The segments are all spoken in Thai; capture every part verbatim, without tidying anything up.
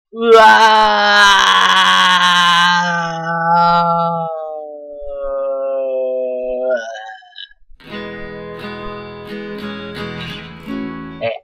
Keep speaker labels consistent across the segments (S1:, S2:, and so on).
S1: ว้าเอ๊ะ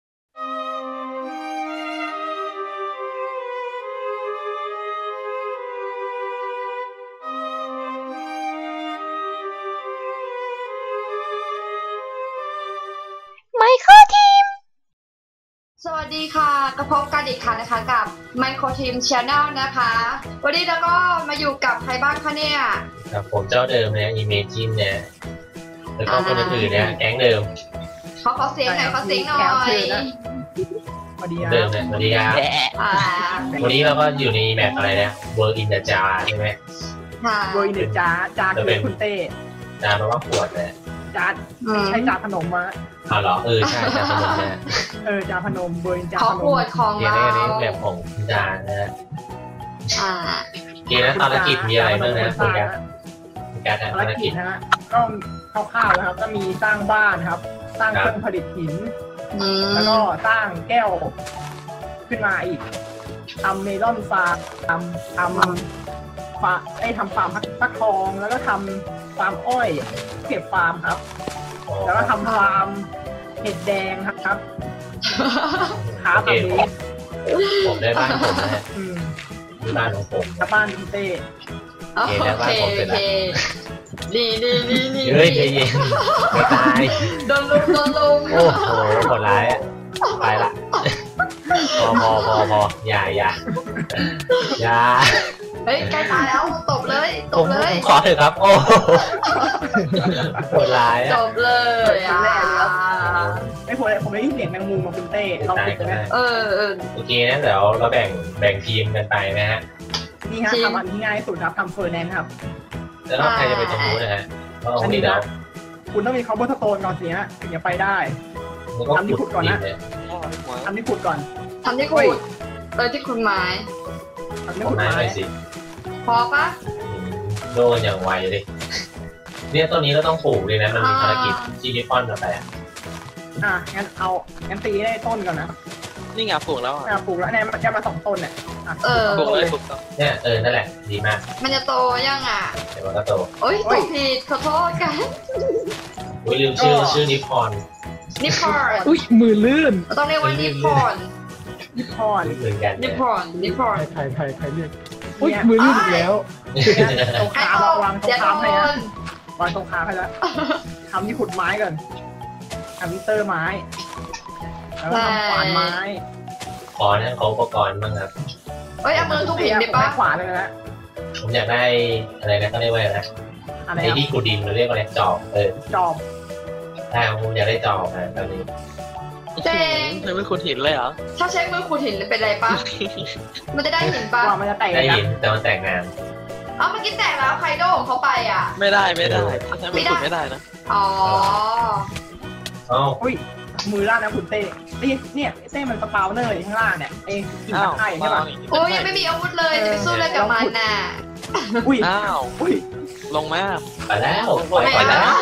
S2: ไมโครทีม
S3: สวัสดีค่ะกระพบกันอีกครั้งนะคะกับ Micro Team Channel นะคะวันนี้เราก็มาอยู่กับใครบ้างคะเนี่ย
S1: ครับผมเจ้าเดิมเนี่ย Imagine เนี่ยแล้วก็คนอื่นๆเนี่ยแก๊งเดิม
S3: เขาขอเสียงหน่อยขอเสียงหน่อย
S4: สวัสดีครับ
S1: เดิมเนี่ยสวัสดีครับวันนี้เราก็อยู่ในแมปอะไรนะ World in the Jar ใช่ไหม
S3: ค่ะ
S4: โดยเนจ้าจ้าคือคุณเต้
S1: จ้าแปลว่าขวดเลย
S4: จ้าใช้จ้าพนมมา
S1: อ๋อเหรอเออใช่จ้าพนมเนี่ย
S4: เออจ้าพนมเบอร์จ้าพนม
S3: เขาขวดของเรา
S1: เนี่ยแบบของจ้านะฮะ
S3: อ่า
S1: เกมนั้นภารกิจมีอะไรบ้างนะคุณแกการทำภารกิจ
S4: นะฮะก็คร่าวๆนะครับก็มีสร้างบ้านครับสร้างเครื่องผลิตหินแล้วก็สร้างแก้วขึ้นมาอีกทำเมลอนฟาร์มทำทำฟาไอ้ทำฟาร์มฟักทองแล้วก็ทำฟาร์มอ้อยเก็บฟาร์มครับแล้วก็ทำฟาร์มเห็ดแดงครับขาแบบนี้
S1: ผมได้บ้านผมนะฮะบ้านของผม
S4: บ้านคุณเต้
S3: โอเคโอเคดีดีดีดี
S1: เฮ้ยใจเย็นไม่ตาย
S3: โดนลุมโดนลุม
S1: โอ้โหโหดร้ายไปละพอพอพอพออย่าอย่าอย่า
S3: เฮ้ยใกล้ตายแล้วตบเลยตบเลย
S1: ขอเถอะครับโอ้โหดร้าย
S3: จบเลยอ่ะ
S4: ไม่พอผมได้ยินเสียงแมงมุมมาคุณเต้เราติดกันนะ
S3: เออเออ
S1: โอเคนะเดี๋ยวเราแบ่งแบ่งทีมกันไปนะฮะ
S4: นี่ฮะทำอันที่ง่ายสุดครับทำเฟอร์แนนด์ครับ
S1: แล้วใครจะไปตรงนู้นนะฮะอันนี้แล้ว
S4: คุณต้องมีคอมโบสโตนก่อนสิฮะถึงจะไปได้ทำที่ขุดก่อนนะทำที่ขุดก่อน
S3: ทำที่ขุดเออที่ขุดไม้
S4: ทำที่ขุดไม้
S1: สิ
S3: พอปะ
S1: โดนอย่างไวเลยเนี่ยต้นนี้เราต้องปลูกเลยนะมันมีภารกิจที่นิปปอนมาไปอ่ะ
S4: อ่ะงั้นเอางั้นตีได้ต้นก่อนนะ
S5: นี่ไงปลูกแล้ว
S4: อ่ะปลูกแล้วเนี่ยมันจะมาสองต้นเนี่ย
S3: เออ
S5: ปลูกเลยปลูก
S1: เนี่ยเออนั่นแหละดีมาก
S3: มันจะโตยังอ่ะ
S1: เดี๋ยวมันก็โต
S3: โอ้ยตกผิดขอโทษกัน
S1: อุ้ยลืมชื่อชื่อนิปปอน
S3: นิปปอน
S4: อุ้ยมือลื่น
S3: ต้องเรียกว่านิปปอน
S4: นิปปอน
S1: เหมือนกัน
S3: นิปปอนนิปปอน
S4: ใครใครใครเรียกอุ้ยมือลื่นอีกแล้วตรงขาระวังตรงขาให้นะวางตรงขาให้แล้วทำที่ขุดไม้ก่อนทำมิเตอร์ไม้แล้วทำขวานไม้
S1: ขอนะขออุปกรณ์บ้างครับ
S3: เอ้ยเอามือทุบหินได้ปะ
S4: ขวานเลยนะ
S1: ผมอยากได้อะไรนะก็เรียกว่าอะไรนะไอ้ที่ขุดดินเราเรียกว่าอะไรจอบเออ
S4: จอบ
S1: ใช่ผมอยากได้จอบนะตอนนี้
S3: เจ๊
S5: ใช้มือขุดหินเลยเหรอ
S3: ถ้าใช้มือขุดหินเป็นไรปะมันจะได้หินปะ
S4: มันจะแตก
S1: ได้หินแต่มันแตกงาน
S3: อ๋อเมื่อกี้แตกแล้วไคโดของเขาไปอ่ะ
S5: ไม่ได้ไม่ได้ใช้มือขุดไม่ได้นะ
S3: อ๋อ
S1: อ๋อ
S4: อุ้ยมือล่างนะคุณเต้เนี่ยเต้มันสปาวเนอร์อยู่ข้างล่างเนี่ยเองหินตะไคร้ใช่ป่ะ
S3: โอ้ยยังไม่มีอาวุธเลยจะไปสู้อะไรกับมันน่ะ
S4: อุ้ย
S5: อ้าว
S4: อุ้ย
S5: ลงมา
S1: ไปแล้วไปแล้ว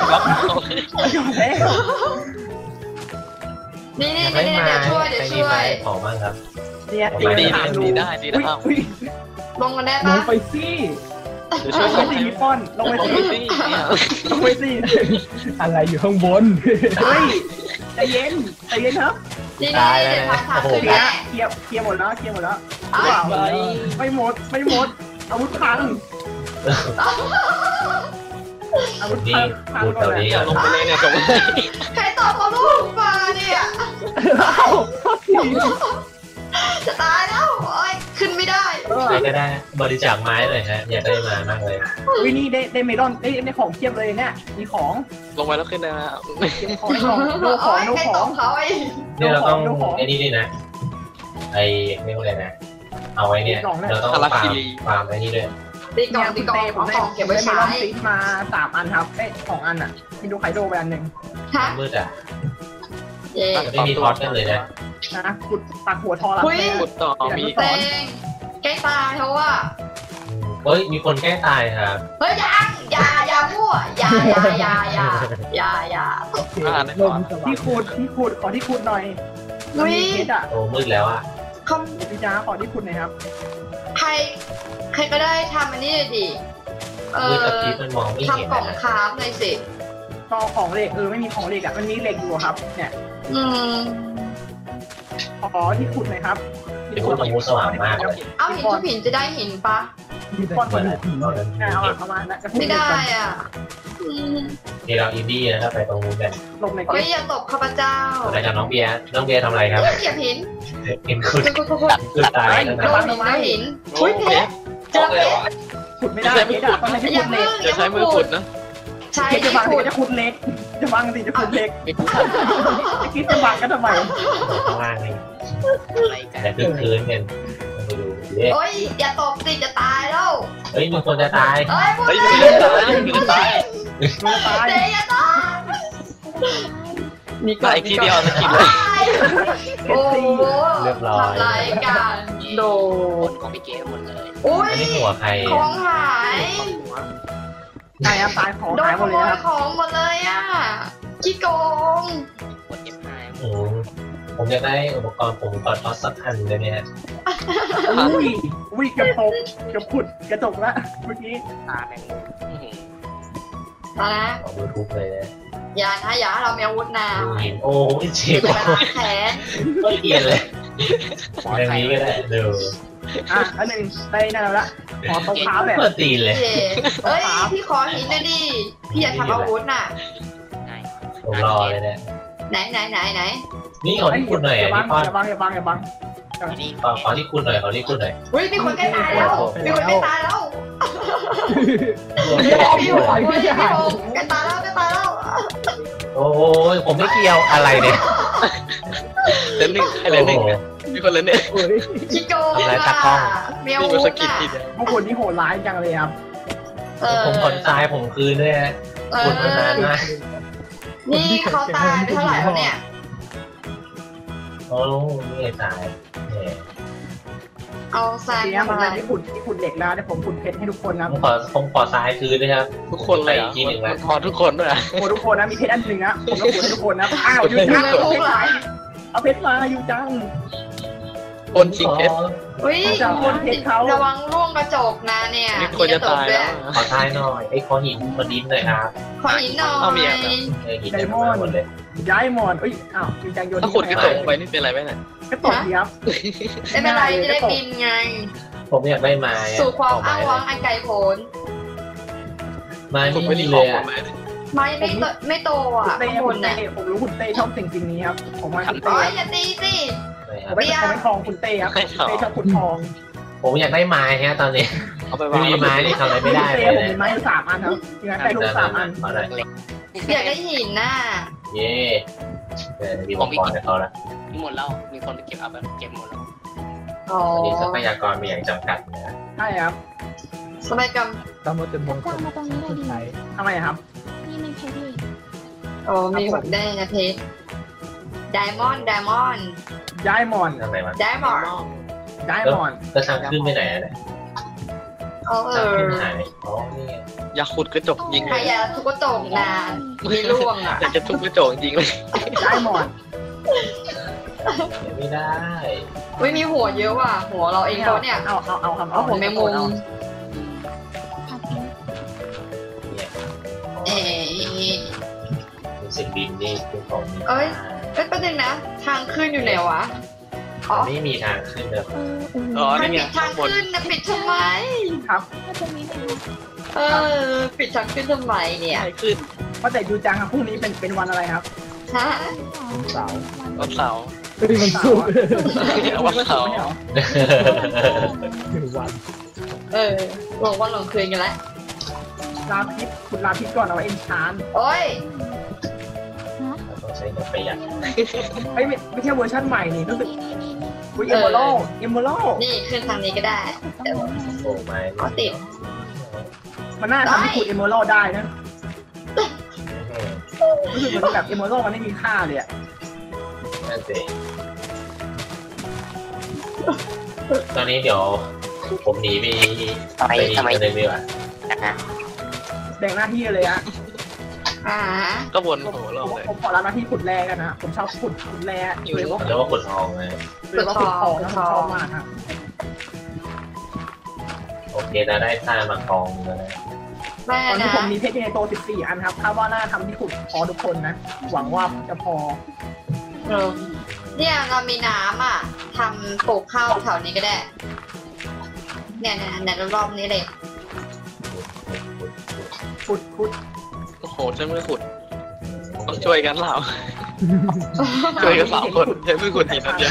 S3: นี่นี่นี่เดี๋ยวช่วยเดี๋ยวช่วย
S1: ขอมากครับ
S4: เนี่ย
S5: ดีดีดีได้ดีได้
S3: ลงกันได้ปะ
S4: ลงไปสิลงไปสินิปปอนลงไปสิลงไปสิอะไรอยู่ข้างบนเฮ้ยใจเย็นใจเย็นครับ
S3: นี่นี่เดี๋ยวทำทางขึ้นแหละ
S4: เคลียร์เคลียร์หมดแล้วเคลียร์หมดแล้วไม่หมดไม่หมดอาวุธพังอาวุธพังพังก่อนเลย
S5: ลงไปเลยเนี่ยจบเลย
S3: ใครตอบเขาลูกมาเนี่ยจะตายแล้วโอ้ยขึ้นไม่ได้
S1: ใครก็ได้บริจาคไม้เลยฮะอยากได้มามากเลย
S4: วินี่ได้ได้เมลอนได้ได้ของเทียบเลยเนี่ยมีของ
S5: ลงไปแล้วขึ้นได้แล้ว
S4: ของของดูของดูของ
S3: เขาไอ้
S1: เนี่ยเราต้องไอ้นี่ด้วยนะไอ้ไม่รู้อะไรนะเอาไว้เนี่ยเราต้องฟาร์มฟาร์มไอ้นี่ด้วย
S3: ตีกล่องตีกล่องของกล่องเก็บไว้ใช้
S4: มาสามอันครับเอ้สองอันอ่ะมีดูไคโดไปอันหนึ่ง
S1: มืดอ่ะไม่มีทอดกันเลยนะ
S4: นะขุดปักหัวทอแล้ว
S5: ขุดต่อมี
S3: เต้งแก้ตายเขาว่า
S1: เฮ้ยมีคนแก้ตายครับ
S3: เฮ้ยยังอย่าอย่ามั่วอย่าอย่าอย่าอย่าอย่าอย่า
S4: ที่ขุดที่ขุดขอที่ขุดหน่อย
S3: นุ้ย
S1: โอ้มืดแล้วอ่ะ
S3: เขเขา
S4: พี่จ้าขอที่คุณหน่อยครับ
S3: ใครใครก็ได้ทำอันนี้เลยดิเอ
S1: มือ
S3: อ
S1: กับพีมันมองไม่เห็น
S3: ทำกล่อง
S1: นะ
S3: คราฟเลยสิ
S4: ก็ของเหล็กเออไม่มีของเหล็กอ่ะมันมีเหล็กอยู่ครับเนี่ย
S3: อืม
S4: ขอที่คุณหน่อยครับ
S1: เดี๋ยวพูดตรงมูสว่างมากเลย
S3: เอาหินทุกหินจะได้หินปะ
S4: มีก้อน
S1: เมื่อไหร่
S4: หิน
S1: ตอนนั้น
S4: เอามาเอามานะจะพู
S3: ไม่ได้อ่ะอืม
S1: ที่เราอินดี้นะครับไปตรงนู้นกัน
S4: ลงใน
S3: โอ้ยอย่าตบข้าพเจ้า
S1: อะไรกับน้องเบียร์น้องเบียร์ทำอะไรครับ
S3: เฮ้ยเหยียบหิน
S1: เห็นคุณ
S3: คุณคุณคุณ
S1: คือตายแล้ว
S3: โด
S1: นะ
S3: นหินโดนหินอุ้ยเพชรเจอเพชร
S4: ขุดไม่ได้เพชรอะต้องใช้
S3: อย่า
S4: ขุดเห
S3: เพิ่
S4: ล็
S3: ง
S4: ก
S5: จะใช้มือขุดนะ
S3: ใช้
S4: เพชรจะ
S3: ที่
S4: บัง
S3: ขุด
S4: จะขุดเหล็กจะบังสิจะขุดเหล็ก
S5: ไม่ขุด
S4: จะคิดจะบังกันทำไม
S1: ข้างล่างนี่
S5: อะไรกัน
S1: แต่คือคืนกันมาดูเด็ก
S3: โอ้ยอย่าตบสิจะตายแล้ว
S1: เฮ้ยมีคนจะตาย
S3: เอ้ยพูด
S5: เฮ้ย
S3: เล
S5: มื
S3: ย
S5: อตายมือตาย
S4: มันตาย
S3: เดี๋ยวอย่าตาย
S5: ตายทีเดียวสกิลเลย
S3: โอ้โหทำรายการโด
S5: นของพี่เก๋หมดเลย
S3: อุ้ย
S1: อันนี้หัวใคร
S3: ของหาย
S4: ตายครับตายของ
S3: โด
S4: หาน ยห
S3: ข
S4: มด
S3: โม
S4: เลย
S3: ย
S4: ครับ
S3: ของหมดเลยอ่ะขี้โกง
S5: กดเก็บหาย
S1: อืมผมอยากได้อุปกรณ์ผมกอดทอสสักอันได้ไหมฮะ
S4: อุ้ยอุ้ยเกือบตกเกือบขุดกระจกละเมื่อกี้
S5: ตาแมงมุม
S3: มานะ
S1: ขอดูทุกเลยนะ
S3: อย่านะอย่าให้เรามีอาวุธนะ
S1: ดูหินโอ้ยเจ็
S3: จะ
S1: บ
S3: ไปล้างแขน
S1: ก็เกลียดเลยอย่างนี้ก็ได้ดู
S4: อ่ะอันหนึ่งได้นั่นแล้วละขอตรงเท้าแบบ
S1: เปิดตีนเลย
S3: เย่เอ้ยพี่ขอหินหน่อยดิพี่อยากทำอาวุธน่ะ
S1: ผมรอเลยเนี่ย
S3: ไหนไหนไหนไหน
S1: นี่ขอที่คุณหน่อย
S4: อย่า
S1: อ่ะ
S4: บัง
S1: นี่พ่อ
S4: อย่าบังอย่าบังอย่าบัง
S1: ขอขอที่คุณหน่อยขอที่คุณหน่อย
S3: อุ้ยมีคนใกล้ตายแล้วมีคนใกล้ตายแล้ว
S1: โ
S3: พี่โหพี่พี่โหใกล้ตายแล้วใกล้ตายแล้ว
S1: อ้ยผมไม่เกี่ยวอะไรเนี่ย
S5: เล่นหนึ่งให้เล่นหนึ่งมีคนเล่นหนึ่ง
S4: เอ้ย
S3: ขี้โกง
S1: ทำลาย
S3: อ่ะ
S1: ตากล้อง
S3: มีอา
S5: นี่
S3: วุ
S5: มันส
S3: ธ
S5: กิล
S3: น่ะ
S5: ทีเดียว
S4: พวกคนที่โหดร้ายจังเลยครับ
S3: เออ
S1: ผมขนทรายผมคืนด้วยฮะ
S3: เอ
S1: คุณมานาน
S3: อ
S1: มาก
S3: นี่เขาตายไปเท่าไหร่แล้วเนี่ย
S1: โอ้นี่ไงตายแหม
S3: เอาทราย
S4: ทีนี้
S3: ทำ
S4: ผม
S3: อะไร
S4: ที่ขุดที่ขุดเหล็กแล้วเดี๋ยวผมขุดเพชรให้ทุกคนนะ
S1: ผมขอผมขอทรายคืนด้วยครับ
S5: ทุกคนเลย
S1: ไป
S5: อ่ะ
S1: อีกทีหนึ่ง
S5: มั
S1: นะ
S5: นพอทุกคนด้วย
S4: โอ้ทุกคนนะมีเพชรอันหนึ่งนะผมต้องขุดให้ทุกคนนะอ้าวยูจังเอาเพชรมาเอาเพชรมายูจัง
S5: คนชิงเพชร
S3: อุ้ย
S4: จะเอาคนเพชรเขา
S3: ระวังร่วงกระจกนะเนี่ย
S5: มีคนจะตายแล้ว
S1: ขอทรายหน่อยไอ้ยขอหินขอดินหน่อยครับ
S3: ขอหินหน่อ
S5: เอามี
S3: ย
S5: อ่ะ
S1: เออหินเต็มไปหมดเลย
S4: ย้ายหมอนเอ้ยอ้าวยูจังโยน
S5: ถ้าขุดกระจกไปนี่เป็นไรไหมเนี่ย
S4: กระตกดีครับ
S3: ไม่เป็นไรจะได้บินไง
S1: ผมอยากได้ไม้อะ
S3: สู่ความ
S1: ข
S3: อ้าง
S1: ไม้
S3: ว้างอันไกลโพ้น
S1: ไม้
S5: ขุด
S1: ไม่
S5: ไม่
S1: มี
S5: ได้ข
S1: เล
S5: อง
S1: ย
S5: หม
S1: อ่ะ
S5: ดเลย
S3: ไม่ไม่โตไม่โตอ่ะ
S4: เต้
S3: ข้างบ
S4: คุ
S3: น
S4: ณเต้
S3: น่ะ
S4: ผมรู้คุณเต้ชอบสิ่งสิ่งนี้ครับผมว่าคุณ
S3: โอ้
S4: เต้
S3: ยอย่าตีสิ
S4: ผมไม่ผมไม่ทองคุณเต้ครับเต้ชอบขุดทอง
S1: ผมอยากได้ไม้ฮะตอนนี้
S5: เอาไป
S1: ไม่
S5: วาง
S1: มีไม้นี่ทำอะไรไม่ได้
S4: เต้
S1: เลย
S4: ผมมี
S1: นะ
S4: ไม้สามอันครับยังไงได้ลูกสามอัน
S1: ขอหน่อย
S3: อยากได้หินน่ะ
S1: เย่เออมีอุปกรณ์ให้เขาละ
S5: หมดแล้วมีคนไปเก็บเอาแบบเก็บหมดแล้ว
S3: อ๋อ
S1: ตอนนี้ทรัพยากรมีอย่างจำกัดนะ
S4: ใช่ครับ
S3: สมัยกรรม
S2: ตามมาเต็มมงคล
S6: มาตรงนี้เลยดิ
S2: ใช้
S4: ทำไมครับ
S6: นี่มีเพชรอีก
S3: โอ้มีหมดได้นะเพชรไดมอนด์ไดมอนด์
S4: ย้ายหมอน
S1: ทำไมมัน
S3: ไดมอนด์
S4: ย้ายหมอน
S1: ก็ทางขึ้นไปไหนอะเนี่ย
S3: เขาเอ
S1: ทาง
S3: อ
S1: ขึ้นหายอ๋อนี่ไง
S5: อยากขุดกระจกยิง
S3: ใครอยากทุกกระจกนะมีร่วงอ่ะ
S5: อยากจะทุบกระจกยิงเลย
S4: ย้ายหมอน
S1: เดี๋ยวไม่ได้
S3: อุ้ยมีหัวเยอะว่ะ หัวเราเองเขาเนี่ย
S4: เอาเอาเอาครับ
S3: เอาหัวแมงมุม
S6: ผักเพชร
S1: เนี่ย
S3: เอ๊ะ
S1: รู้สึกดินนี่คือของมี
S3: เอ้ย เอ้ยแป๊บนึงนะ ทางขึ้นอยู่ไหนวะ อ๋อ
S1: ไม่มีทางขึ้นเลย
S6: เออเออ
S5: อ๋อ
S3: มัน
S5: นี่ไง
S3: ปิดทาง
S5: บน
S3: ขึ้นนะปิดทำไม
S4: ครับ
S6: ถ้าตรงนี้เป็น
S3: เออ ปิดทางขึ้นทำไมเนี่ย
S5: ใช่ขึ้น
S4: ว่าแต่ยูจังครับพรุ่งนี้เป็นเป็นวันอะไรครับ
S3: ฮะ
S2: วันเสาร์
S5: วันเสาร์
S2: เฮ้ยมันสุกร์
S5: วันเสาร์
S4: ไม่เหรอ
S2: หนึ่งวัน
S3: เออหลงวันหลงคืนกันแล้ว
S4: ลาพิษคุณลาพิษก่อนเอาไว้เอ็นชาน
S3: โอ้ย
S1: เราต้องใช้เงินประหยัด
S4: เอ้ยไม่ไม่ใช่เวอร์ชันใหม่นี่รู้สึก
S6: นี่นี่นี่
S4: วิเอเมอรัลเอเมอรัล
S3: นี่ขึ้นทางนี้ก็ได้
S6: ตรงนี้
S1: โอ้ไม่
S3: เอาติด
S4: มันน่าทำให้ขุดเอเมอรัลได้นะรู้สึกเหมือนแบบเอเมอรัลมันไม่มีค่าเลยอะ
S1: นั่นสิตอนนี้เดี๋ยวผมหนีไป
S5: ทำไม
S1: ไป
S5: ทำไม
S1: กันเลยดีกว่า
S4: แบ่งหน้าที่เลยอะ
S3: อ่า
S5: ก็วนโอ้โหรอบ
S4: ผม
S5: เลย
S4: ผมขอรับหน้าที่ขุดแร่กันนะผมชอบขุดขุดแร่โดยเฉพาะ
S1: เขาเรียกว่าขุดทองนะ
S4: โดยเฉพาะขุดทองนะผมชอบมากครับ
S1: โอเคเราได้ท่ามาทองแล้วนะ
S3: แม่
S4: ตอนนี้
S3: นะ
S4: ผมมีเพชรในโตสิบสี่อันครับคาดว่าน่าทำที่ขุดพอทุกคนนะหวังว่าจะพอ
S3: เนี่ยเรามีน้ำอ่ะทำปลูกข้าวแถวนี้ก็ได้ เนี่ยเนี่ยเนี่ยรอบๆนี้เลย
S4: ขุดขุด
S5: โอ้โหใช้มือขุดต้องช่วยกันเปล่าช่วยกันสามคนใช้มือขุดหินนั่นเดียว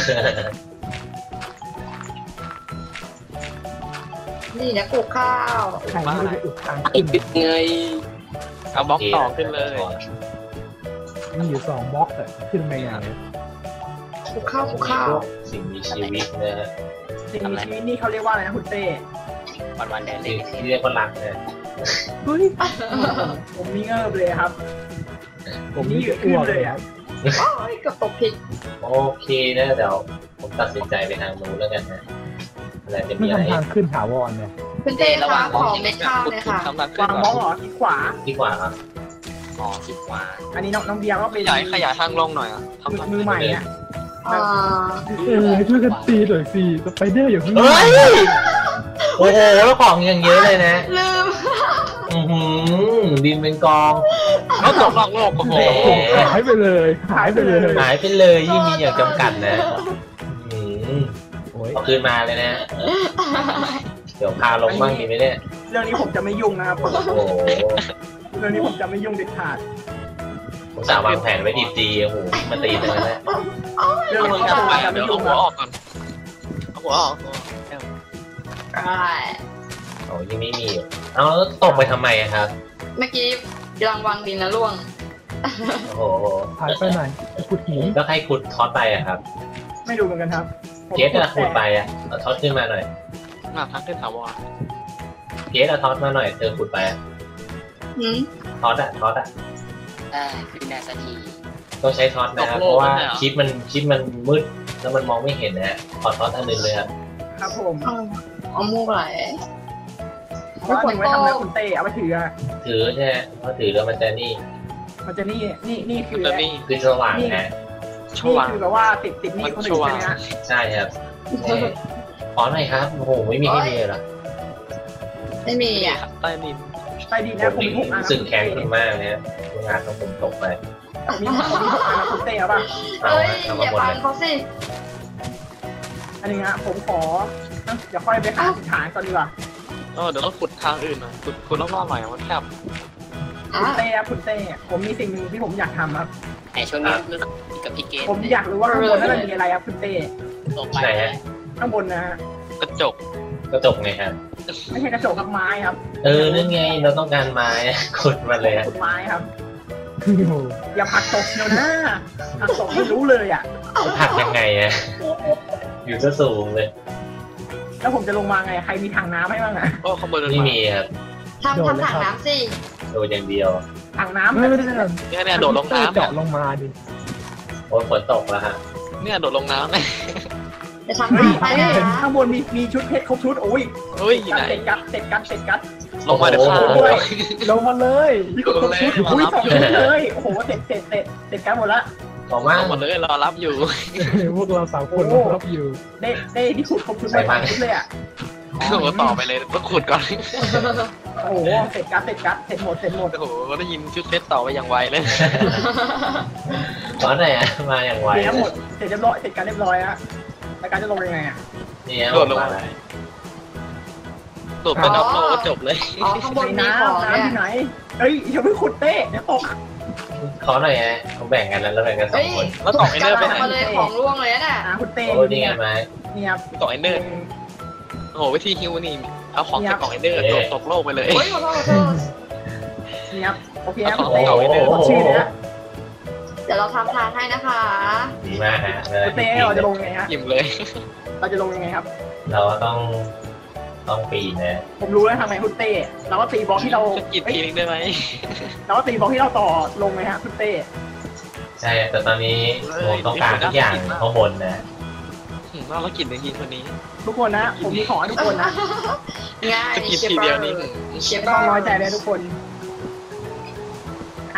S3: นี่นะปลูกข้าว
S2: ใครไม่ได้อุดทาง
S5: ไอ้
S2: ขึ้น
S5: ปิดไงเอาบล็อกต่อขึ้นเลย
S2: มีอยู่สองบล็อกแต่ขึ้นไปไง
S3: ปลูกข้าวปลูกข้าว
S1: สิ่งมีชีวิตนะฮะ
S4: สิ่งมีชีวิตนี่เขาเรียกว่าอะไรนะคุณเต้
S5: วันวันแดน
S1: สิ่งที่เรียกว่ารักนะ
S2: เฮ้ย
S4: ผมนี่เงิบเลยครับ
S2: ผมนี่จะอ้วกเลยอ่ะ
S3: โอ้ยกับตกผิด
S1: โอเคนะเดี๋ยวผมตัดสินใจไปทางนู้นแล้วกันนะอะไรจะ
S2: ไม่
S1: มีอะไร
S2: ทำทางขึ้นถาวรเนี่ย
S3: คุณเต้คะขอเม็ดข้าวเลยค่ะ
S5: ทำทางขึ้น
S4: วางมองเหรอที่ขวา
S1: ดีกว่าครับ
S5: อ๋อคิดว่า
S4: อันนี้น้องน้องเบียร์ก็
S5: ข
S4: เป็น
S5: ยายขยายทางลงหน่อยอ่ะทำ
S4: มือ
S5: ทาง
S4: มือใหม่อ่ะ
S3: อ่า
S2: เออช่วยกันตีหน่อยสิสไปเดอร์อย่างนี้
S1: เฮ้ยโอ้โหแล้วของยังเยอะเลยนะ
S3: ลืม
S1: อือหือดินเป็นกอง
S5: เขาตกนอกโลกโอ้โห
S2: หายไปเลยหายไปเลย
S1: หายไปเลยยี่มีอย่างจำกัดนะอืม
S2: โอ้ย
S1: เอาคืนมาเลยนะ เดี๋ยวพาลงบ้างดีไหมเนี่ย
S4: เรื่องนี้ผมจะไม่ยุ่งนะครับผม
S1: โอ้โห
S4: เรื่องนี้ผมจะไม่ยุ่งเด็ดขาด
S1: ผมสาวางแผนไว้ดีๆโอ้โหมาตีตรงนั้นแหละ
S4: เรื่อง
S5: เอา
S4: นี้
S5: หัว
S4: ผม
S5: ไป
S4: จะ
S5: เดี๋
S4: ไม่
S5: ยวเอา
S4: ยุ่ง
S5: หัว
S4: นะ
S5: ออกก่อนเอาหัวออก
S3: ใช่
S1: โอ้ยังไม่มีอยู่เอาแล้วตกไปทำไมอะครับ
S3: เมื่อกี้กำลังวางดินแล้วล่วง
S1: โอ้โห
S2: หายไปไหนขุดหิน
S1: แล้วใครขุดท็อตไปอะครับ
S4: ไม่ดูเหมือนกันครับผม
S1: เกสอะขุดไปอะเอาท็อตขึ้นมาหน่อย
S5: มาทางขึ้นถาวร
S1: เกสเอาท็อตมาหน่อยเธอขุดไปอะ
S3: หืม
S1: ท็อตอะท็อตอะ
S7: ได้ขึ้นได้สักที
S1: ต้องใช้ท็อตนะครับเพราะว่าคลิปมันคลิปมันมืดแล้วมันมองไม่เห็นนะฮะขอท็อตอันหนึงเลยครับ
S4: ครับผม
S3: เอาเอามูกไหล
S4: เพราะว่าหนึ่งไว้ทำอะไรคุณเต้เอาไปถืออะ
S1: ถือใช่ไหมเพราะถือแล้วมันจะนี่
S4: มันจะนี่นี่นี่คือ
S5: แล้วนี่
S1: คือสว่างนะ
S5: ช
S4: นี่
S5: วาง
S4: คือแบบว่าติดติดหนี่คนอื่นใช่ไหมฮะ
S1: ใช่ครับนี่ขอหน่อยครับโอ้โหไม่มีให้ดีเลยเหรอ
S3: ไม่มีอ่ะ
S5: ใต้ดิน
S4: ใต้ดิน
S1: ผ
S4: นะ
S1: ม
S4: ผม
S1: นี่
S4: มีหกอันนะ
S1: สึกแค้นคุณมากนะงานของผมตกไป
S4: ผมมีผมมีหกอันนะคุณเต้เอาป่ะ
S1: เอา
S3: เอ้ย
S1: ฮะเอา
S3: อ
S1: มา
S3: ย่า
S1: หมด
S3: ฟัง
S1: เลย
S3: เขาสิ
S4: อันนี้ฮะผมขอนะเดี๋ยวค่อยไปหาสินฐานก่อนดีกว่า
S5: เออเดี๋ยวต้องขุดทางอื่นหน่อยขุดขุดรอบๆหน่อยมันแคบ
S3: อ่ะ
S4: คุณเต้ครับคุณเต้ผมมีสิ่งหนึ่งที่ผมอยากทำครับ
S7: ไอช่วงนี้รู้สึกกับพี่เกด
S4: ผมอยากรู้ว่าข้างบนนั้นมันมีอะไรครับคุณเต้
S7: ตกไป
S1: ไหนฮะ
S4: ข้างบนนะฮะ
S5: กระจก
S1: กระจกไงครับ
S4: ไม่ใช่กระจกกับไม้ครับ
S1: เออนั่นไงเราต้องการไม้ ขุดมาเลยอะ
S4: ขุดไม้ครับ
S2: โอ้โห
S4: อย่าผลักตกเชียวนะผลักตกไม่รู้เลยอ่ะ
S1: ผักยังไงอะอยู่ซะสูงเลย
S4: แล้วผมจะลงมาไงใครมีถังน้ำให้บ้างอ่ะ
S5: โอ้ข้างบนเดิน
S1: ไม่
S5: มา
S1: มีครับ
S3: ทำทำถังน้ำสิ
S1: โดนอย่างเดียว
S4: ถังน้ำ
S2: ไม่ไม่ได้ไม่ได้
S5: เนี่ยเนี่ยโดดลงน้ำ
S2: เจาะลงมาดิ
S1: โอ้ยฝนตกแล้วฮะ
S5: เนี่ยโดดลงน้ำเลย
S3: จะทำถังไปนะ
S4: ข้างบนมีมีชุดเพชรครบชุดโอ้ย
S5: เฮ้ยอยู่
S4: กั
S5: ไห
S4: ด
S5: น
S4: เสร็จกัดเสร็จกัดเสร็จกัด
S5: ลงมาเดี๋ยวฆ่า
S1: โอ้โห
S5: ด้วย
S2: ลงมาเลย
S4: มีครบชุดอุ้ยสองชุดเลยโอ้โหเสร็จเสร็จเสร็จเสร็จกันหมดละ
S1: ขอมาก
S5: ลงหมดเลยรอรับอยู่
S2: พวกเราสามคนรับอยู่
S4: ได้ได้ที่ขุดครบชุดมาสองชุดเลยอ่ะ
S5: โอ้โหต่อไปเลยต้องขุดก่อน
S4: โอ้โหเสร็จกัดเสร็จกัดเสร็จหมดเสร็จหมด
S5: โอ้โหได้ยินชุดเซตต่อไปอย่างไวเลย
S1: ขอหน่อยอะมาอย่างไว
S4: เสร็จหมดเสร็จเรียบร้อยเสร็จกันเรียบร้อยฮะแล้วการจะลงยังไงอ่ะ
S1: เนี่ย
S5: โดดลง
S1: มา
S5: มา
S1: เลย
S5: โดดเป็นอัพโหลดก็จบเลย
S3: อ๋อข้างบน
S4: ใน
S3: มีของ
S4: น้ำ
S3: เนี่ย
S4: น้ำที่ไหนเฮ้ยอย่าเพิ่งขุดเต้เดี๋ยวตก
S1: ขอหน่อยฮะเขาแบ่งกันแล้วแล้วแบ่งกันสอ
S3: เฮ้
S1: ง
S3: ย
S1: คน
S5: แล้วต่อไอเนอร์ไปไหน
S3: มาเลยของร่วงเลยน่ะ
S4: อ่าคุณเต้
S1: โอ้ยนี่ไงไหม
S4: เนี่ยครับ
S5: ต่อไอเนอร์โอ้โหวิธีฮิวนี่เอาของจากกล่องไอเนอร์โดดตกโลกไปเลย
S3: โอ้ยขอโทษขอโทษ
S4: เนี่ยครับโอเคครับ
S5: เอา
S4: คุณ
S5: ของ
S4: เต้
S5: เก่าไว้เลย
S4: ขอชื่อเลยนะ
S3: เดี๋ยวเราทำทานให้นะคะ
S1: ดีมากฮะ
S4: คุณเต้เราจะลงยังไงฮะ
S5: อิ่มเลย
S4: เราจะลงยังไงครับ
S1: เราต้องต้องปีนนะ
S4: ผมรู้แล้วทำไมคุณเต้เราก็ตีบล็อกที่เรา
S5: จะกิน
S4: เอ้ย
S5: ทีนึงได้ไหม
S4: เราก็ตีบล็อกที่เราต่อลงไงฮะคุณเต้
S1: ใช่แต่ตอนนี้ผมต้องการทุกอย่างข้างบนนะ
S5: อืมน่ารักกินเลยทีคนนี้
S4: ทุกคนนะผมมีของให้ทุกคนนะ
S3: ง่าย
S5: จะกิน
S3: เชฟ
S5: ที
S3: เบ
S5: เดี
S3: อ
S5: ยว
S3: ร์
S5: นี่
S3: เชฟเบ
S4: ต้
S3: อ
S4: อง
S3: ร์
S4: น้อยใจเลยทุกคนอ่ะ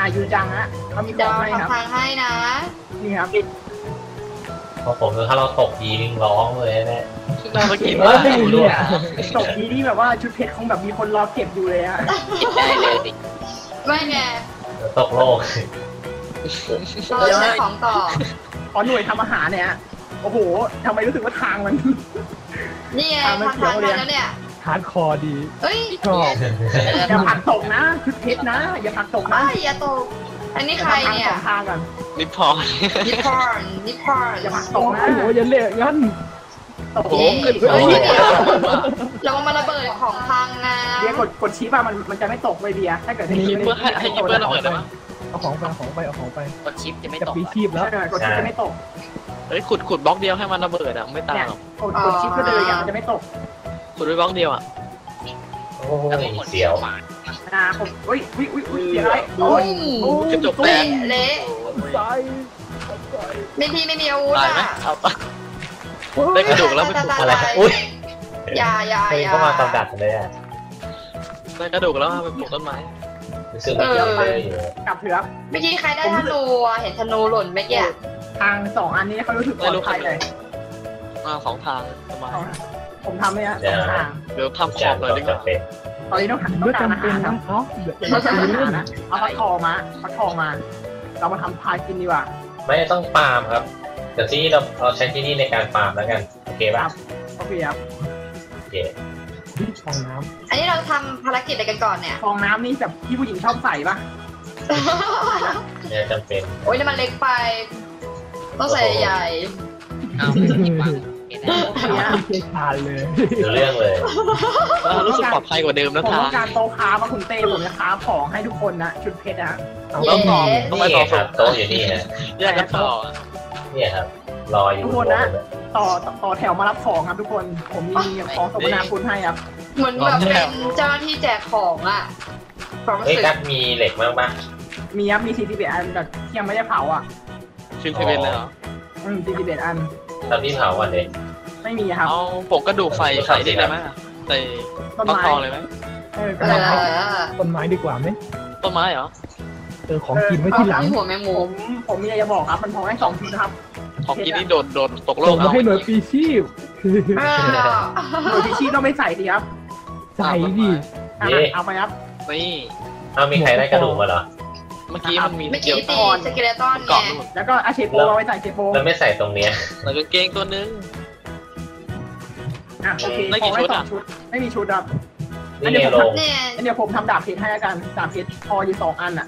S4: ายูจังฮะเขามีข
S3: เดี๋ย
S4: อ
S3: ว
S4: งให้ครับ
S3: ทำทางให้นะ
S4: นี่ครับ
S1: พอผมถ้าเราตกยีนิ่งร้องเลยนะ
S5: น่ามากิน
S2: เออ
S5: มาก
S2: ไม่เนี่ย
S4: ตกนี้ที่แบบว่าชุดเพชรคงแบบมีคนรอเก็บอยู่เลยฮะ
S7: กินได้เลยสิ
S3: ไม่ไง
S1: ตกโลก
S3: เราใช้ของต่อ
S4: ขอหน่วยทำอาหารเนี่ยฮะโอ้โหทำไมรู้สึกว่าทางมัน
S3: นี่ไง
S4: อ่ะมัน
S3: ทำทาง
S4: เขียวเลย
S3: ให้แล้วเนี่ย
S2: ฮาร์ดคอร์ดี
S3: เอ้ย
S2: ชอบ
S4: อย่าผลักตกนะชุดเพชรนะอย่าผลักตกนะ
S3: อ้ายอย่าตก อันนี้ใครเนี่ย
S4: ทางสองทางก่อน
S5: นิพอน
S3: นิพอนนิพอน
S4: อย่าผลักต
S2: โอ้
S4: ก
S2: โห
S4: นะ
S2: อย่าเละงั้น
S4: ตก
S3: เย้
S4: ขึ้น
S3: เฮ้ย
S4: เฮ้ย
S3: เดี๋ยวเรามาระเบิดของพังนะ
S4: เบียร์กดกดชี้ป่ะมันมันจะไม่ตกเลยเบียร์ถ้าเกิด
S5: ให้ยิปเปอร์ให้ให้ยิปเปอร์ระเบิดได้ไหม
S2: เอาของไปเอาของไปเอาของไป
S7: กดชิปจะไม่
S2: จะ
S7: ตก
S2: ปีชีพแล้ว
S4: เออกดชี้จะไม่ตก
S5: เฮ้ยขุดขุดบล็อกเดียวให้มันระเบิดอ่ะไม่ตาย
S4: เนี่ย
S5: หรอก
S4: กดกดชี้ก็เลยอย่างมันจะไม่ตก
S5: ขุดไว้บล็อกเดียวอ่ะ
S1: โอ้ยเสียว
S4: อ่าผมอุ้ยอุ้ยอุ้ยอุ้ยเสียอะไรโอ้ย
S3: โอ้ย
S5: กระจกแต
S3: เละ
S5: ก
S3: เละ
S2: ใส่
S3: ไม่พี่ไม่มีอาวุธ
S5: ตายไหม
S3: อ่ะ
S5: เอาปะได้กระดูกแล้วไปปลูก
S1: อะไรครับอุ้ย
S3: อย่าอย่า
S1: เคย
S3: อย่า
S1: เข้ามาตำดัดเลยอ่ะ
S5: ได้กระดูกแล้วเอาไปปลูกต้นไม้
S1: รู้สึกมีเยอะเลยอยู่
S4: กลับเถอะ
S3: เมื่อกี้ใครได้ธนูอ่ะเห็นธนูหล่นเมื่อกี้อะ
S4: ทางสองอันนี้เขารู้สึกปลอดภัยเลย
S5: มาสองทางต้นไม้
S4: ผมทำเนี่ยสองทาง
S5: เดี๋ยวทำข
S1: จา
S5: อน บเลย
S1: ก็
S5: ดีกว่า
S1: จำเป็น
S4: ตอนนี้ต้องหันต้
S2: เมื่
S4: อ
S2: อง
S4: การอา
S2: จำเป็
S4: หาน รค
S2: นะ
S4: รับ
S2: เอ้าเดี๋ยว
S4: ต้องการอา
S2: เรื่อ
S4: หาง รนะเอาฟักทองมาฟักทองมา เรามาทำพายกินดีกว่า
S1: ไม่ต้องฟาร์มครับเดี๋ยวที่นี่เราเราใช้ที่นี่ในการฟาร์มแล้วกันโอเคป่ะ
S4: โอเคครับ
S1: โอเค
S2: ฟองน้
S3: อันนี้เราทำภารกิจอะไรกันก่อนเนี่ย
S4: ฟองน้ำนี่แบบที่ผู้หญิงชอบใส่ปะ
S1: เนี่ยจำเป็น
S3: โอ้ยนี่มันเล็กไป ต้องใส่ใหญ่
S7: เอาไม่ต้องหยิบวางเห็นไหม
S2: ำไม่เชี่ยวชาญเลย
S1: ดูเรื่องเลย
S5: เออรู้สึกปลอดภัยกว่าเดิม
S4: ผม
S5: นะ
S4: ต้
S5: ทา
S4: อง งการโต๊ะค้ามาคุณเต้ผมจะค้าของให้ทุกคนนะชุดเพชรนะ
S2: เอา
S3: เย้
S2: ต้องต่อ
S5: ต้องไป
S1: นี่
S5: ต่อ
S1: ครับโต๊ะอยู่นี่ฮะ
S5: แยกกันต่อ
S1: เนี่ยครับรออยู่
S4: ทุกคนนะ ต่อต่อต่อแถวมารับของครับทุกคน ผมมีของสมนาคุณให้ครับ
S3: เหมือนแบบเป็นเจ้าหน้าที่แจกของอ่ะความรู้
S1: เฮ้ย
S3: สึก
S1: กัดมีเหล็กบ้างปะ
S4: มีครับมีสี่สิบเอ็ดอันแบบที่ยังไม่ได้เผาอ่ะ
S5: ชินเทเวนเลยเหรอ
S4: อืมสี่สิบเอ็ดอัน
S1: ทำที่เผาก่อนเลย
S4: ไม่มีครับ
S5: เอาผงกระดูกใส่ใส่ได้ไหมใส่
S4: ต้น
S5: ฟัก
S4: ไม้
S5: ทองเลยไหม
S4: เออ
S3: เอ
S4: ก็ได้ครับ
S3: อ
S2: ต้นไม้ดีกว่าไหม
S5: ต้นไม้เหรอ
S2: เออของกินไว้ที่หลัง
S3: หัวแมง
S4: ผ
S3: มุม
S4: มผมมีอะไรจะบอกครับ มันพอให้สองชุดนะครับ
S5: ของกินนี่โดดโดดตกโล
S2: ส่
S5: ก
S2: งมา
S5: เอา
S2: ให้หน่วยปีชีพ
S3: เออ
S4: โดยที่ชีพต้องไม่ใส่ดีครับ
S2: ใส่ดิ
S4: อ่ะเอาไปครับ
S5: นี่
S1: เอามีใครได้กระดูกมาเหรอ
S5: เมื่อกี้มันมี
S3: เมื่อ
S5: เกี่
S3: กี้
S5: ยว
S3: ตีสเกเลตันไง
S5: เกาะนู่น
S4: แล้วก็อาเชโปเอาไว้ใส่เชโป
S1: แล้วไม่ใส่ตรงเนี้ย
S5: แล้วกางเกงตัวนึง
S4: อ่ะโอเค
S5: ได้กี่
S4: พอ
S5: ชุ
S4: ให้
S5: ด
S4: สอ
S5: อ่ะ
S4: งชุด ไม่มีชุดครับ
S1: นี่ไงลง
S3: เนี่ย
S4: งั้นเดี๋ยวผมทำดาบเพชรให้แล้วกันดาบเพชรพออยู่สองอันอ่ะ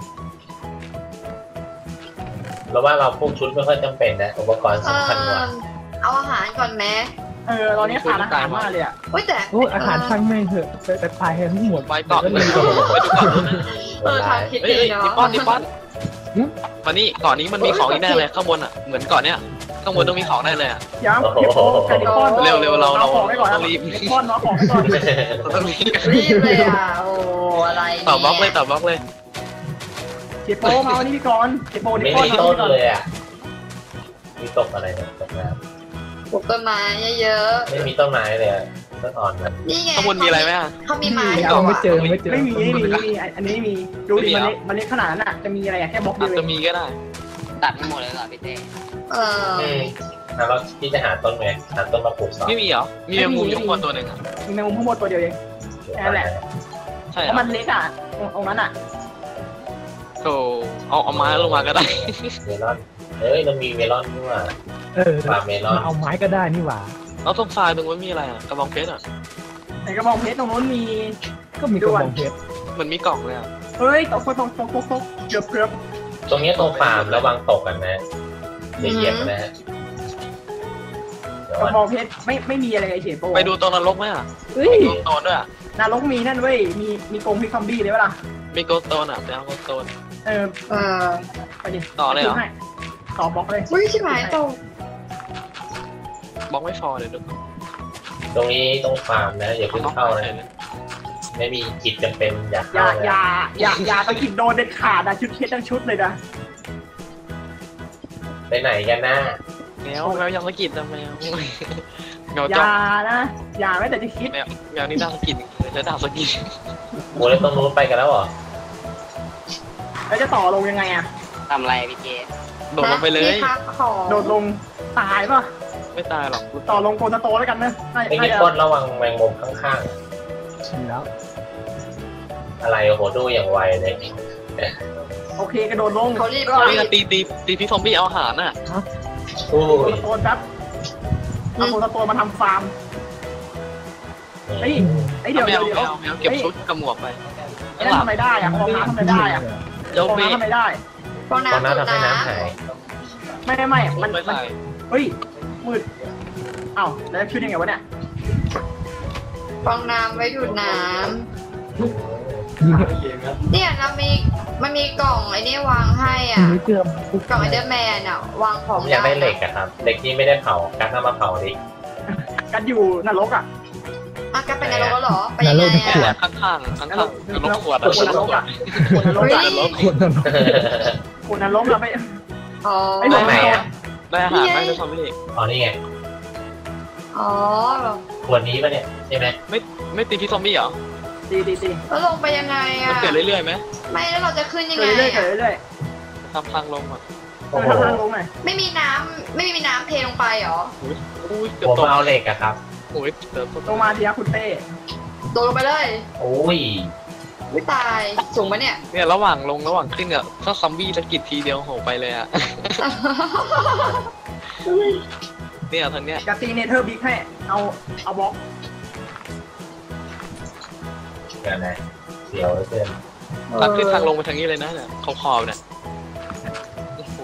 S1: แล้วว่าเราพวกชุดไม่ค่อยจำเป็นนะอุปกรณ์
S3: เอ
S1: สำคัญกว่า
S3: อเอาอาหารก่อนไหม
S4: เออตอนนี้ขาดอาหารมากเลยอ่ะ
S3: เฮ้ยแต่
S2: โอ้อาหารช่างไม่งเถอะแต่แต่ตายให้ทั้งหมด
S5: ไปเกาะไปดูไปดูเกาะนู้นนะ
S3: เออทางคิด
S5: เฮ้ย
S3: ดี
S5: เฮ้ย
S3: เนาะ
S5: นิปปอนนิปปอนมานี่เกาะนี้มันมีของอีกแน่เลยข้างบนอ่ะเหมือนเกาะเนี้ยข้างบนต้องมีของได้เลยอ่ะ
S4: เดี๋ยวเชโปกับนิปปอน
S5: เร็วเร็วเราเรา
S4: ของไว้ก่อนนะ
S5: ต้องรีบ
S4: นิปปอนน้องของไว้ก่อน
S5: เราต้องรีบ
S3: รีบเลยอ่ะ โอ้อะไรเนี่ย
S5: ต่อบล็อกเลยต่อบล็อกเลย
S4: เชโปมาวันนี้พี่กรณ์เชโปนิป
S1: ไม่
S4: ปอน
S1: มี
S4: มา
S1: ต้น
S4: พี่ก่อน
S1: เลยอ่ะมีตกอะไรเนี่ยตกน้
S3: ปลูกต้นไม้เยอะ
S1: ำไม่มีต้นไม้เลยอะต้นอ่อนมัน
S3: ๆนี่ไง
S5: ข้างบนมีอะไรไหมอ่ะ
S3: เขามีไม้อ
S2: ยั
S3: ยู่
S2: งไม่
S3: อ่ะ
S2: เจอไม่เจอ
S4: ไม่มีไม่มีไม่มีอันนี้มีดูดิ
S5: ไม่มี
S4: มัน
S5: เหรอ
S4: เล็กมันเล็กขนาดนั้นอ่ะจะมีอะไรอะแค่บล็อกเดี
S5: อา
S4: ยวเอ
S5: จจะ
S4: ง
S5: มีก็ได้
S7: ตัดไม่หมดเลยเหรอพี่เต้
S3: เออ
S1: อืมแล้วเราที่จะหาต้นไงหาต้นมาปลูกสอง
S5: ไม่มีเหรอมีแมงมุมอยู่ข้างบนตัวหนึ่งอ่ะ
S4: มีแมงมุมทั้งหมดตัวเดียวเอง นั่นแหละ
S5: ใช่
S4: เพ
S5: เหร
S4: ราะ
S5: อ
S4: มันเล็กอ่ะตรงตรงนั้นอ่ะ
S5: โธ่เอาเอาไม้ลงมาก็ได้
S1: เมลอนเอ้ยเรามีเมลอนด้วย
S2: เออ
S1: ฟาร์มเมลอน
S2: มาเอาไม้ก็ได้นี่หว่า
S5: แล้วตรงทรายตรงนั้นมีอะไรอ่ะกระบองเพชรอ่ะ
S4: ไหนกระบองเพชรตรงนู้นมี
S2: ก็มีกระบองเพชร
S5: เหมือนมีกล่องเลยอ่ะ
S4: เฮ้ยตกตกตกตกตกตกเกือบเกือบ
S1: ตรงเนี้ยตรงฟาร์มระวังตกกันนะอย่าเหยียบนะฮะเดี๋ยว
S4: กระ
S1: ก่อน
S4: บองเพชรไม่ไม่มีอะไรเลยเฉยโป
S5: ไปดูตรงนรกไหมอ่ะ
S2: เฮ้ย
S5: โกสโตนด้วยอ่ะ
S4: นรกมีนั่นเว้ยมีมีกรงพิกซอมบี้เลยเวล่ะ
S5: มีโกสโตนอ่ะไปเอาโกสโตน
S4: เออ
S3: เออ
S4: ไปดิ
S5: ต่อเลยเหรอ
S4: ให้ต่อบล็อกเลย
S3: อุ้ยชิบหายตก
S5: บล็อกไม่พอเดี๋ยวดู
S1: ตรงนี้ตรงฟาร์มนะอย่าเพิ่งเข้านะไม่มีจิตจำเป็นอยาก
S4: อย่า
S1: เข้า
S4: อย่า
S1: นะ
S4: อย่าอย่าตะกิดโดนเด็ดขาดนะชุดเพชรทั้งชุดเลยนะ
S1: ไปไหนกันนะ
S5: แมวแมวยังสะกิดนะแมวแมว
S4: อ
S5: จ้อง
S4: ย่านะอย่าแม้แต่จะคิด
S5: แมวแมวนี่น่าสะกิดเลยแล้วดาวสะกิด
S1: โมแล้วตรงนู้นไปกันแล้วเหรอ
S4: เอแล้วจะต่อลงยังไงอะ
S7: ทำอะไรพี่เจ
S5: โดดลงไปเลย
S3: พี่ครับของ
S4: โดดลงตายป่ะ
S5: ไม่ตายหรอก
S4: ต่อลงโกสโตแล้วกันนะน่า
S1: ไอ้
S4: น่า
S1: นี่
S4: จะ
S1: พ่นระวังแมงมุมข้าง
S2: ชินแล้ว
S1: ๆอะไรโอ้โหดูอย่างไวเลย
S4: โอเคกระโดดลง
S3: เขารีบ
S4: ก็
S5: นี่ตีตีตีพี่ซอมบี้เอาอาหารน่ะ
S1: โอ้
S4: โก
S1: ย
S4: สโตนครับเอาโกสโตนมาทำฟาร์มเฮ้ยไอ้เดี๋ยว
S5: แม
S4: เดี๋ยว
S5: ว
S4: เดี๋ยว
S5: แมวแมวเก็บชุดกับหมวกไป
S4: ไอ้นั่นทำไมได้อะฟองน้ำทำไมได้อะ
S5: เจ้า
S4: ฟอง
S5: เบ้
S4: น้ำทำไมได้
S3: ฟอง
S1: ตอน
S3: น้ำ
S1: นั้น
S3: จุด
S1: ทำให้
S3: น้
S1: น้ำหาย
S4: ไม่ไม่ไม่มัน
S5: ไม่
S4: มัน
S5: ใส่
S4: เฮ้ยมืดเอ้าแล้วจะขึ้นยังไงวะเนี่ย
S3: ำฟองน้ำไว้ดูดน้
S2: ยิง
S3: ำเนี่ยเรามีมันมีกล่องไอ้นี่วางให้อ่ะ
S2: ไม่เชื่อมปุ๊บ
S3: กล่องไอเดอร์แมนอ่ะวางของ
S1: อยากได้เหล็กอะครับเหล็กที่ไม่ได้เผาการนำมาเผาดิ
S4: กันอยู่นรกอ่ะ
S3: อ่ะก็เป็นนรกแล้วเหรอไปยังไง
S5: ขว
S3: อ่ะ
S5: ดข้างข้างข้างข้างๆรถขวด
S4: ขวดนรกอ่ะขวดนรก
S3: เฮ้
S4: อ่ะ
S3: ย
S2: ขวดนรก
S4: ขวดนรกเราไม่
S3: อ๋อ
S4: ไม่ลง
S1: ไหนอะ
S5: ได้อาหารไหมได้ซอมบี้
S1: อ๋อนี่ไง
S3: อ๋อ
S1: ขวดนี้ปะเนี่ยใช่ไหม
S5: ไม่ไม่ตีพี่ซอมบี้เหรอ
S4: ตีตีตี
S3: แล้วลงไปยังไง
S5: มัน
S3: อ่ะ
S5: เกิดเรื่อยๆไหม
S3: ไม่แล้วเราจะขึ้นยัง
S4: เกิ
S3: ไง
S4: ดเรื่อยๆเกิด
S3: อ่ะ
S4: เรื่อย
S5: ทำทางลงอ่ะ
S4: ๆเอ
S1: โอ้
S4: อ
S1: โห
S4: ทำทางลงหน่อย
S3: ไม่มีน้ำไม่มีน้ำเทลงไปเหรอ
S5: อุ้ยเกือบ
S1: ผม
S5: ตก
S1: มาเอาเหล็กอะครับ
S5: โอ้ยเกือบตก
S4: ลงมาทีนะคุณเต้
S3: โดดลงไปเลย
S1: โอ้ย
S3: ไม่ตายสูงปะเนี่ย
S5: เนี่ยระหว่างลงระหว่างขึ้นอ่ะถ้าซอมบี้สะกิดทีเดียวโหไปเลยอ่ะเนี่ยทางเนี้ย
S4: จะตีเนเธอร์บิ๊กให้เอาเอาบล็อก
S1: เดี๋ยวนะเสียวเหลือเกิน
S5: ทางขึ้นทางลงไปทางนี้เลยนะเนี่ยขอบขอบเนี่ยโอ้โห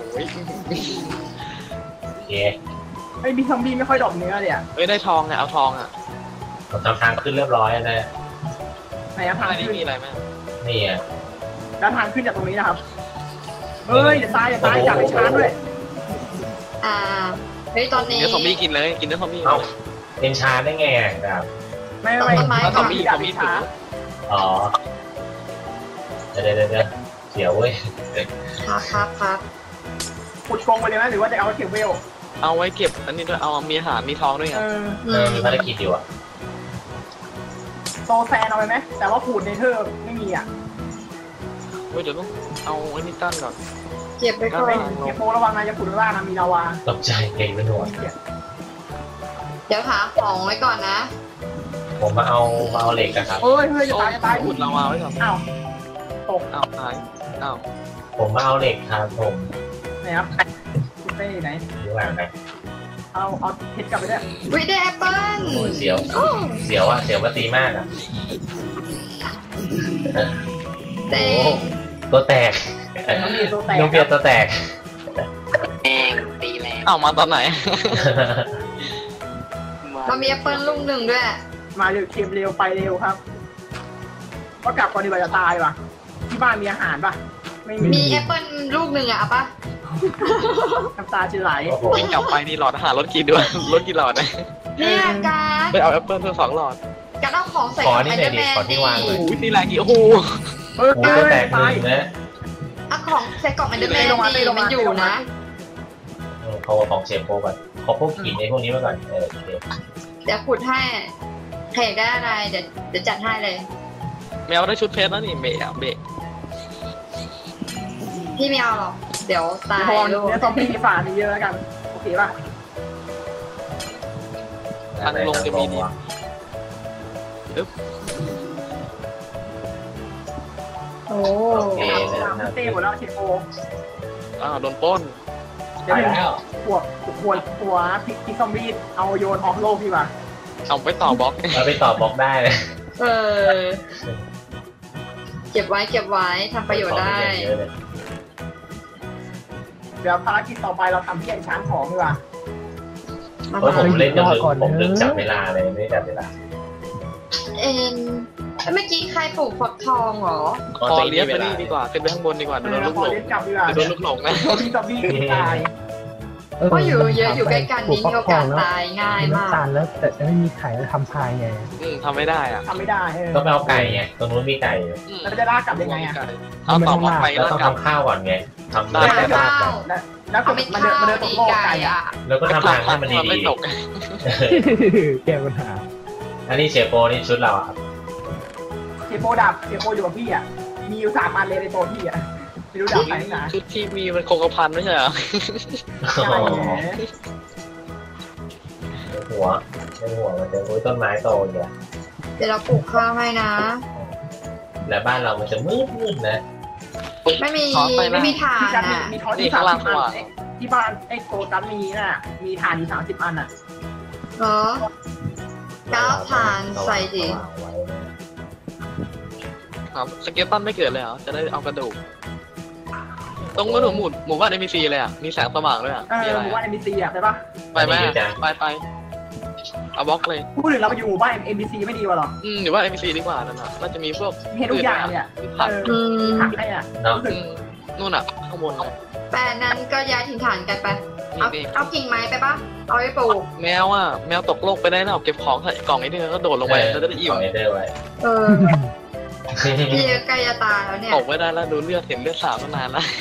S1: โอเค
S4: ไอ้บิ๊กซอมบี้ไม่ค่อยดรอปเนื้อเลยอ่ะ
S5: เอ้ยได้ทองเนี่ยเอาทองอ่ะ
S1: ผมทำทางขึ้นเรียบร้อยแล้วนะ
S4: ไหนอะทาง
S5: อันนี้
S4: ขึ้น
S5: มีอะไรไหม
S1: นี่อะ
S4: แล้วทางขึ้นจากตรงนี้นะครับเฮ้ยอย่าตายอย่าตายจับไปชาร์จด้วย
S3: อ่าเฮ้ยตอนนี้
S5: เนื้อซอมบี้กินเลยกินเนื้อซอมบี้
S1: เอ้าเป็นชาได้ไงอะครับ
S4: ไม่ไม่
S3: ต้นไม้
S4: ไม่
S5: ซอมบี้
S4: จั
S5: ซ
S4: บ
S5: อม
S4: ไป
S5: บี้
S4: ชาร์จ
S1: อ๋อเดี๋ยวเดี๋ยวเดี๋ยวเสียวเว้ย
S3: ครับครับครับ
S4: ขุดกรงไปเลยไหมหรือว่าจะเอาเก็บเวล
S5: เอาไว้เก็บอันนี้ด้วยเอามีอาหารมีทองด้วยไง
S4: เออ
S3: อื
S1: เออ
S3: ม
S1: มีภารกิจอยู่อะ
S4: โซแซนเอาไปไหมแต่ว่าขูดในเธอร์ไม่มีอ่ะ
S5: เว้ยเดี๋ยวต้องเอาไอ้นี่ตั้งก่อน
S3: เก็บไปก่อ
S4: ไม่
S3: น
S4: เก็บโมระวังนะจะขูดข้างล่างนะมีลาวา
S1: ตกใจเก่งเป็นหัว
S3: เดี๋ยวหาของไว้ก่อนนะ
S1: ผมมาเอามาเอาเหล็กอะครับ
S4: เฮ้ยเฮ้ยจะตายจะตาย
S5: ขุดลาวาไว้ก่อน
S4: อ้าวตก
S5: อ้าวตายอ้าว
S1: ผมมาเอาเหล็กครับผม
S4: ไหนครับคุณเต้ไหน
S1: อยู่หลังนะ
S4: เอาเอาเพชรกลับไปด้วย
S3: วิได้แอปเปิ้ล
S1: โอ้ยเสียว
S3: โอ้
S1: เสียวอะเสียวมาตีมากอะ
S3: เต็
S1: โอ้
S3: ง
S1: ตัวแตก
S4: น้องมีตัวแตก
S1: น้องเปียตัวแตก
S7: แรงตีแรง
S5: อ้าวมาตอนไหน
S3: เรามีแอปเปิ้ลลูกหนึ่งด้วย
S4: มาเร็วเค็มเร็วไปเร็วครับก็กลับก่อนดีกว่าจะตายว่ะที่บ้านมีอาหารป่ะไม่มี
S3: มีแอปเปิ้ลลูกหนึ่งอะเอาปะ
S4: น้ำตาจะไหล
S1: โอ้โห
S5: วิ่งกลับไปนี่หลอดอาหารรถกี่ด้วยรถกี่หลอดนะ
S3: เนี่ยการ
S5: ไปเอาแอปเปิ้ลเพิ่มสองหลอด
S3: การเอาของใส่
S1: ขอ
S3: กับ
S1: นี่
S3: ไอ
S1: หน่
S3: เด
S1: อ
S3: อย ร์
S1: ดิ
S3: แมน
S1: ขอที่วางหน่อย
S5: โอ้ยตีแรงกี่โอ้โห
S4: เฮ้ย
S1: โอ้โหตัวแตกห
S4: ตาย
S1: นึ่งนะ
S3: เอาของใส่กล่องไอเดอร์แมน
S4: ลงมา
S3: ดี
S4: ลง
S3: มั
S4: มาน
S3: อยู่
S4: ลงมา
S3: นะ
S1: เออเขาของเชฟโปก่อนขอพวกหินในพวกนี้มาก่อนเออโอเค
S3: เดี๋ยวขุดให้ใครอยากได้อะไรเดี๋ยวเดี๋ยวจัดให้เลย
S5: แมวได้ชุดเพชรแล้วนี่เบะอะเบะ
S3: พี่ไม่เอาหรอก เดี๋ยวตาย
S4: พอ
S3: ลูก
S4: เนื้อซอมบี้มีฝามีเยอะแล้วกันโอเคป่ะ
S5: ทางลงจะมีดี
S3: โอ้
S1: โอเค
S4: ตามเต้หมดแล้วเชฟโอ
S5: อ้าวโดนปล้น
S4: เดี๋ยว
S1: ไป
S4: หนึ่ง
S1: แล้ว
S4: หัวหัวหัวพิกพิกซอมบี้เอาโยนออกโลกดีกว่า
S5: เอาไปต่อบล็อก
S1: เราไปต่อบล็อกได้เลย
S3: เออ เก็บไว้เก็บไว้ทำประโยชน์ได้
S1: เยอะเลย
S4: เดี๋ยวภารกิจต่อไปเราทำที่ไอ้ช้างของดีกว่า
S1: เพราะผมเล่นจนลืมผมลืมจับเวลาเลยไม่ได้จับเวลา
S3: เอ็นเมื่อกี้ใครปลูกฝักทองเหรอ
S5: คอเลี้ยงไปนี่ดีกว่าขึ้นไปข้างบนดีกว่า
S4: เอ
S5: เดี๋ยว
S4: อ
S5: โดนลูก
S4: พอ
S5: หลง
S4: เล่นกลับดีกว่า
S5: เดี๋ยวโดนลูกหลงนะ
S4: พิกซอมบี้ตาย
S3: เพราะอยู่เยอะอยู่ใกล้กันนี่มีโอกาสตายง่ายมาก
S2: น้ำตาลแล้วแต่ไม่มีไข่แล้วทำพายไง
S5: อืมทำไม่ได้อ่ะ
S4: ทำไม่ได้เออ
S1: ต้องไปเอาไก่ไงตรงนู้นมีไก่อยู่
S5: อืม
S4: แล้วจะลากกลับยังไงอ่ะ
S5: เอาต่อบล็อกไป
S1: แล้ว
S5: แล้ว
S1: ต้อง
S5: กลับ
S1: ทำข้าวก่อนไงทำ
S5: ได้
S1: ได้
S3: หา
S1: ได้
S3: ข้าว
S4: แล้วแล้วก็
S3: เอาไป
S4: มันเดิน
S3: ข้าว
S4: มันเดินตก
S3: ดี
S4: โลก
S3: ไก่
S4: ไก่อ่ะ
S3: อ่ะ
S1: แล้วก็ทำทางให้มัน
S5: ไม่
S1: ดี
S5: ตก
S2: แก้ปัญหา
S1: ๆอันนี้เชฟโปนี่ชุดเราอะครับ
S4: เทโปดับเทโปอยู่กับพี่อ่ะมีอยู่สามอันเลยในตัวพี่อ่ะไม่รู้ดับไหนนะ
S5: ชุดที่มีมันคงกระพันไม่ใช่เหรอ
S4: ใช่แหม
S1: หัวในหัวมันจะอุ้ยต้นไม้โตอยู่
S3: เดี๋ยวเราปลูกข้าวให้นะ
S1: แล้วบ้านเรามันจะมืดมืดนะ
S3: ไม่มี
S5: ขอไปนะ
S3: ไม่มีถ่า
S4: ที่
S3: น
S4: จันมี
S3: อ่ะ
S4: มีทอด
S5: นี่
S4: ที่
S5: ข้า
S4: สาง ม
S5: ล่าง
S4: สิบ
S5: สว่า
S4: อั
S5: ง
S4: นที่บ้านไอ้โกตันมีน่ะมีถ่านอยู่สามสิบอันอ่ะ
S3: เหรอก้าวถ่านใส่ดิ
S5: ครับสเก็ตตันไม่เกิดเลยเหรอจะได้เอากระดูกตรงกระดูกหมุดหมู่บ้านเอ็มบีซีเลยอ่ะมีแสงสว่างด้วยอ่ะ
S4: เอ
S5: มี
S4: อ
S5: อะไร
S4: หมู่บ้าน
S5: อะ
S4: เอ็มบีซีอ่ะใช่ปะ
S5: ไปไหมไปไปเอาบล็อกเลย
S4: พูดถึงเราไปอยู่หมู่บ้านเอ็มบีซีไม่ดีกว่าหรอ
S5: อืมหรือว่าเอ็มบีซีดีกว่านั่นน่ะน่าจะมีพวก
S4: มีให้ทุกอย่างเนี่ย
S5: มีผัก
S4: เออ
S3: อืม
S4: ผักให้อ่ะ
S1: เนาะ
S5: อืมนู่นอ่ะข้างบนเลย
S3: แต่นั้นก็ย้ายถิ่นฐานกันไป
S5: นี่
S3: เอา
S5: นี่
S3: เอากิ่งไม้ไปปะเอาไปปลูก
S5: แมวอ่ะแมวตกโลกไปได้นะเอาเก็บของใส่กล่องนิดนึงแล้วก็โดดลงไปแล้วจะได้อิ่ม
S1: เอเดอร์ไว้
S3: เออพี่ใกล้จะตายแล้วเนี่ย
S5: ตกไม่ได้แล้วดูเลือดเห็นเลือดสาดมานานแล้ว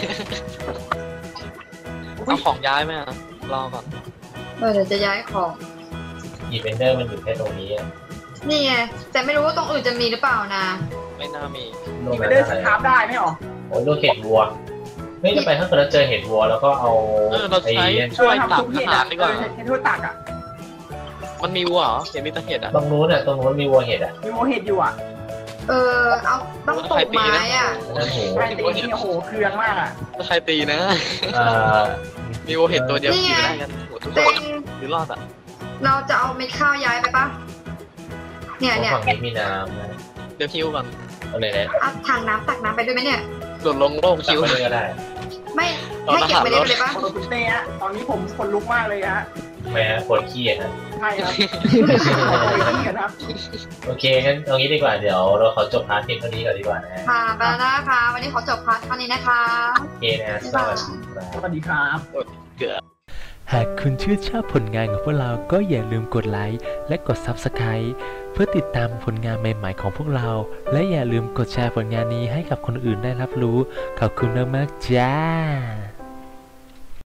S5: เอาของย้ายไหมอ่ะรอก่อน
S3: เออเดี๋ยวจะย้ายของ
S1: อีเวนเดอร์มันอยู่แค่ตรงนี้
S3: นี่ไงแต่ไม่รู้ว่าตรงอื่นจะมีหรือเปล่านะ
S5: ไม่น่ามี
S1: ลง
S4: มี
S1: ไป
S4: ไปเดิ
S1: ได้
S4: น
S1: ไห
S4: สคราฟได้ไหมหรอ
S1: โอ้ยลูกเห็ดวัวไม่จะไปถ้าเกิดเราเจอเห็ดวัวแล้วก็เอา
S5: เออเราใช้
S1: ไอ้
S5: ช่วย
S4: เออ
S5: ตั
S4: ทำ
S5: ก
S4: ซุปเห็
S5: อา
S4: ด
S5: หา
S4: อ่ะ
S5: รดีกว่า
S4: เออให้ทั่วตักอ่ะ
S5: มันมีวัวเหรอเห็นมีแต่เห็ดอ่ะ
S1: ตรงนู้นอ่ะตรงนู้นมีวัวเห็ดอ่ะ
S4: มีโมเห็ดอยู่อ่ะ
S3: เออเอาต้องปลูกไม้อ่ะ
S1: นั่นโห
S4: ใช่ตีนี่โอ้โหเคืองมากอ่ะ
S5: ถ้าใครตีนะ
S1: เอ่อ
S5: มีวัวเห็ดตัวเดียว
S3: นี่
S5: ขี่
S3: ไง
S5: ไม่ได้กันหมดทุกค
S3: เต็
S5: น
S3: ง
S5: หรือรอดอ่ะ
S3: เราจะเอาเม็ดข้าวย้ายไปปะเนี่ยเนี่ย
S1: ฝั่งนี้มีน้ำนะ
S5: เดี๋ยวคิวก่อน
S1: เอาเลยนะ
S3: เอาถังน้ำตักน้ำไปด้วยไหมเนี่ย
S5: โดดลงโลก
S1: ตั
S5: คิ
S1: ก
S5: ว
S1: ไปเลยก็ได้
S3: ไม่ให้เก็บไปได้เลยปะ
S4: ขอบคุณเต้ฮะตอนนี้ผมขนลุกมากเลยฮะ
S1: แม่ปวดขี้นะ
S4: ใช่ครับที่กันครับ
S1: โอเคงั้นเอางี้ดีกว่าเดี๋ยวเราขอจบพาร์ทเพียงเท่านี้ก่อนดีกว่านะ
S3: ค่ะไปแล้วนะคะ วันนี้ขอจบพาร์ทเท่านี้นะคะ
S1: โอเคนะสวัสดีครับ
S4: สวัสดีครับ
S5: เกือบ
S8: หากคุณชื่นชอบผลงานของพวกเราก็อย่าลืมกดไลค์และกด ซับสไครบ์ เพื่อติดตามผลงานใหม่ๆของพวกเรา และอย่าลืมกดแชร์ผลงานนี้ให้กับคนอื่นได้รับรู้ ขอบคุณมากๆจ้า